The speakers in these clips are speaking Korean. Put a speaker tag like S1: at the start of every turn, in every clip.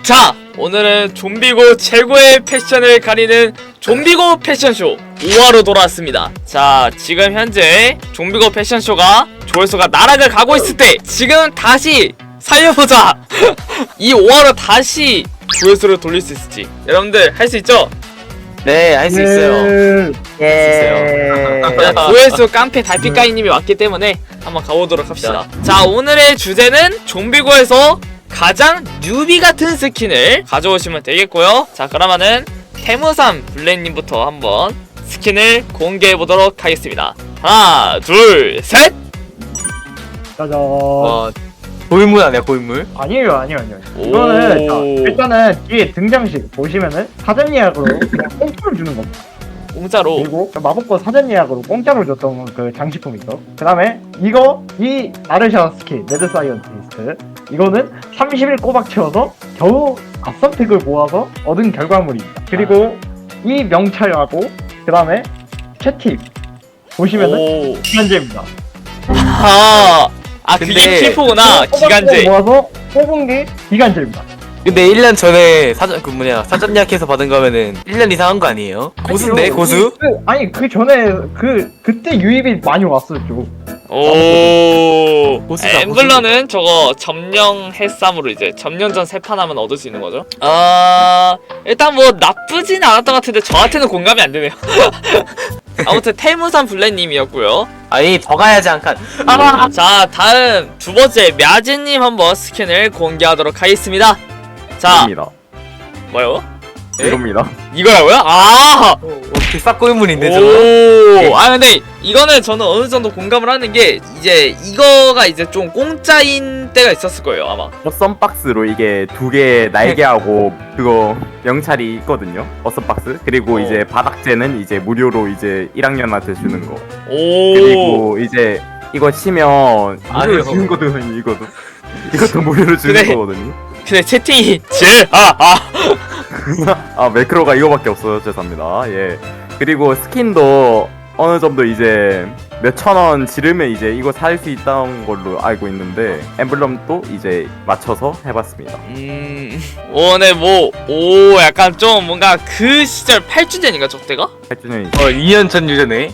S1: 자, 오늘은 좀비고 최고의 패션을 가리는 좀비고 패션쇼 5화로 돌아왔습니다. 자, 지금 현재 좀비고 패션쇼가 조회수가 나락을 가고 있을 때 지금 다시 살려보자. 이 5화로 다시 조회수를 돌릴 수 있을지 여러분들 할 수 있죠?
S2: 네, 할 수 있어요.
S1: 예. 조회수 깡패 달빛가이님이 왔기 때문에 한번 가보도록 합시다. 자, 오늘의 주제는 좀비고에서 가장 뉴비 같은 스킨을 가져오시면 되겠고요. 자, 그러면은 태무삼 블랙님부터 한번 스킨을 공개해보도록 하겠습니다. 하나, 둘, 셋!
S3: 짜잔.
S2: 고인물 아니야, 고인물?
S3: 아니에요. 이거는 자, 일단은 뒤에 등장식 보시면은 사전 예약으로 그냥 공짜로 주는 겁니다.
S1: 공짜로.
S3: 그리고 마법권 사전 예약으로 공짜로 줬던 그 장식품 있어. 그 다음에 이 아르샤 스킨 레드 사이언티스트 이거는 30일 꼬박 채워서 겨우 앞선택을 모아서 얻은 결과물입니다. 그리고 이 명찰하고 그 다음에 채팅 보시면은
S1: 오.
S3: 기간제입니다.
S1: 그게
S2: 근데
S1: 킬포구나. 기간제.
S3: 모아서 뽑은 게 기간제입니다.
S2: 근데 1년 전에 사전 예약해서 받은 거면은 1년 이상 한 거 아니에요? 고수인데, 고수?
S3: 그 전에 그때 유입이 많이 왔었죠.
S1: 오.
S2: 고수다,
S1: 엠블러는 저거 점령 해쌈으로 이제 점령전 3판 하면 얻을 수 있는 거죠. 일단 뭐 나쁘진 않았던 것 같은데 저한테는 공감이 안 되네요. 아무튼 태무산 블랙님이었고요.
S2: 아니, 더 가야지 한 칸.
S1: 자, 다음 두 번째 мя즈님 한번 스킨을 공개하도록 하겠습니다. 자,
S4: 이겁니다.
S1: 뭐요?
S4: 이겁니다.
S1: 이거라고요?
S2: 어떻게 싹 고인물인데, 저거?
S1: 오. 근데 이거는 저는 어느 정도 공감을 하는 게 이제 이거가 이제 좀 공짜인 때가 있었을 거예요, 아마.
S4: 썬박스로 이게 두 개 날개하고 그거 명찰이 있거든요. 어썸박스. 그리고 이제 바닥재는 이제 무료로 이제 1학년한테 주는 거.
S1: 오.
S4: 그리고 이제 이거 치면 무료로
S2: 그래요?
S4: 주는 거거든요. 이것도 무료로 주는
S1: 그래.
S4: 거거든요.
S1: 근데 채팅이
S4: 매크로가 이거밖에 없어요. 죄송합니다. 예. 그리고 스킨도 어느 정도 이제 몇천 원 지르면 이제 이거 살 수 있다는 걸로 알고 있는데 엠블럼도 이제 맞춰서 해봤습니다.
S1: 네, 약간 좀 뭔가 그 시절 8주 전인가 저때가?
S4: 8주년이죠.
S2: 2년 전 유저네.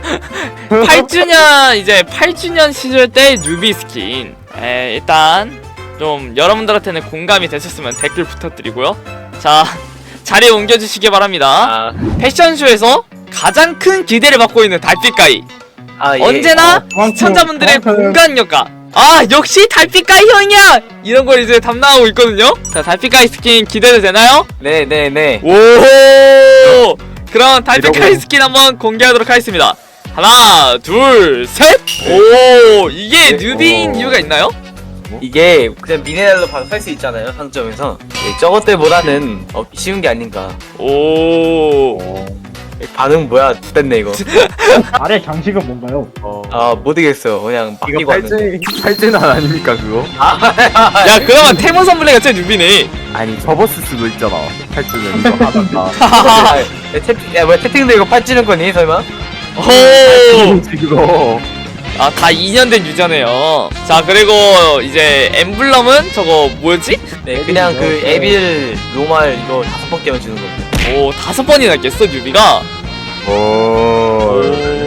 S1: 8주년 시절 때 뉴비 스킨. 일단 좀 여러분들한테는 공감이 되셨으면 댓글 부탁드리고요. 자, 자리에 옮겨주시기 바랍니다. 패션쇼에서 가장 큰 기대를 받고 있는 달빛가이.
S2: 예.
S1: 언제나 시청자분들의 공간력과 역시 달빛가이 형이야! 이런 걸 이제 담당하고 있거든요. 자, 달빛가이 스킨 기대도 되나요?
S2: 네.
S1: 오! 그럼 달빛가이 스킨 한번 공개하도록 하겠습니다. 하나, 둘, 셋! 오! 이게 뉴비인 이유가 있나요?
S2: 이게 그냥 미네랄로 바로 살 수 있잖아요, 상점에서. 저것들보다는 쉬운 게 아닌가.
S1: 오.
S2: 반응 뭐야, 됐네, 이거.
S3: 아래 장식은 뭔가요?
S2: 모르겠어요. 그냥
S4: 이거
S2: 바뀌고 왔는데.
S4: 팔찌는 아닙니까 그거?
S1: 야, 그러면 태문선 블랙가 제일 뉴비네.
S4: 아니 접었을 수도 있잖아. 8주년 이거 하다가.
S2: 채팅도 이거 팔찌는 거니, 설마?
S1: 오.
S4: 이거.
S1: 다 2년 된 유저네요. 자, 그리고 이제 엠블럼은 저거 뭐였지?
S2: 네, 그냥 그 에빌 로말 이거 5번 깨면 주는 거고.
S1: 오, 5번이나 깼어, 뉴비가.
S4: 오.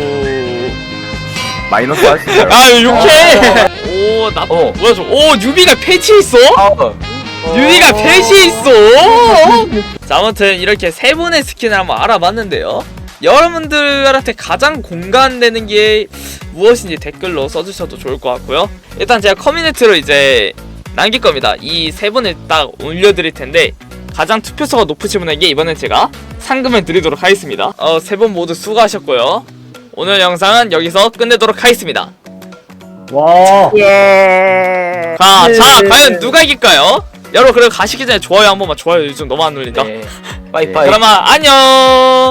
S4: 마이너스 하시죠.
S1: 욕해! 오, 뭐야, 오, 뉴비가 패치있어? 뉴비가 패치있어? 자, 아무튼 이렇게 세 분의 스킨을 한번 알아봤는데요. 여러분들한테 가장 공감되는 게 무엇인지 댓글로 써주셔도 좋을 것 같고요. 일단 제가 커뮤니티로 이제 남길 겁니다. 이 세 분을 딱 올려드릴 텐데 가장 투표수가 높으신 분에게 이번엔 제가 상금을 드리도록 하겠습니다. 세 분 모두 수고하셨고요. 오늘 영상은 여기서 끝내도록 하겠습니다.
S3: 와.
S1: 자, 과연 누가 이길까요? 여러분, 그리고 가시기 전에 좋아요 한 번만. 좋아요 요즘 너무 안 눌린다.
S2: 네. 빠이빠이.
S1: 그러면 안녕.